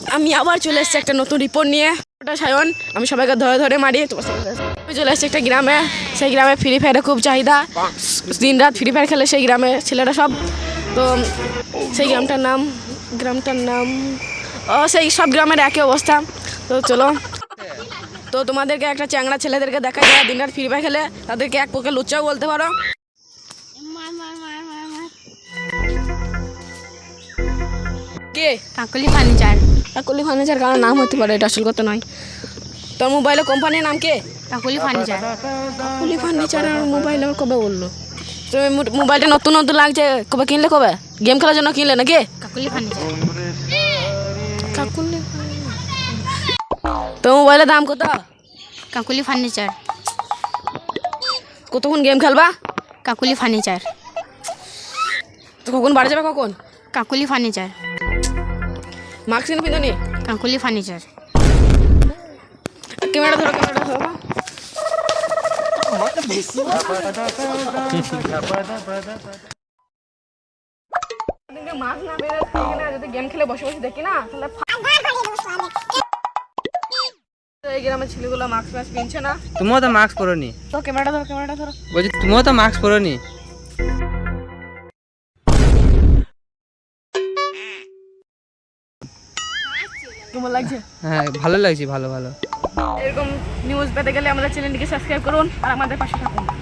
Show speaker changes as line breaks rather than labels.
আমি আবার চলে এসেছি একটা নতুন রিপোর্ট নিয়ে। ওটা সায়ন, আমি সবাইকে ধরে ধরে মারি। তোমার আমি চলে এসেছি একটা গ্রামে। সেই গ্রামে ফ্রি ফায়ারের খুব চাহিদা, দিন রাত ফ্রি ফায়ার খেলে সেই গ্রামে ছেলেরা সব। তো সেই গ্রামটার নাম সেই সব গ্রামের একই অবস্থা। তো চলো, তো তোমাদেরকে একটা চ্যাংড়া ছেলেদেরকে দেখা যায় দিন রাত ফ্রি ফায়ার খেলে, তাদেরকে এক পক্ষে লুচ্চাও বলতে পারো। কে?
কাকলি ফার্নিচার।
কাকলি ফার্নিচার কারণ নাম হতে পারে, এটা আসল কথা নয়। তোর মোবাইলের কোম্পানির নাম কে?
কাকলি ফার্নিচার।
কাকলি ফার্নিচার আর মোবাইল আর কবে বললো? তুমি মোবাইলটা নতুন নতুন লাগছে, কবে কিনলে? কবে গেম খেলার জন্য কিনলে নাকি?
কাকলি ফার্নিচার।
কাকুলি, তো মোবাইলের দাম কত?
কাকলি ফার্নিচার।
কতক্ষণ গেম খেলবা?
কাকলি ফার্নিচার।
তো কখন বাড়ি যাবে কখন?
কাকলি ফার্নিচার।
মাস্ক কিনে পিঁধনি?
কাকলি ফার্নিচার।
ক্যামেরা ধরো, ক্যামেরা ধরো। মাস্ক না বেরো এখানে, যদি গেম খেলে বসে বসে দেখি না তাহলে এই গ্রামের ছেলেগুলো মাস্ক মাস্ক কিনছে না।
তুমিও তো মাস্ক পরোনি।
তো ক্যামেরাটা ধরো, ক্যামেরাটা ধরো।
বলছি তুমিও তো মাস্ক পরোনি।
কেমন লাগছে?
হ্যাঁ ভালো লাগছে, ভালো ভালো।
এরকম নিউজ পেতে গেলে আমাদের চ্যানেলটিকে সাবস্ক্রাইব করুন আর আমাদের পাশে থাকুন।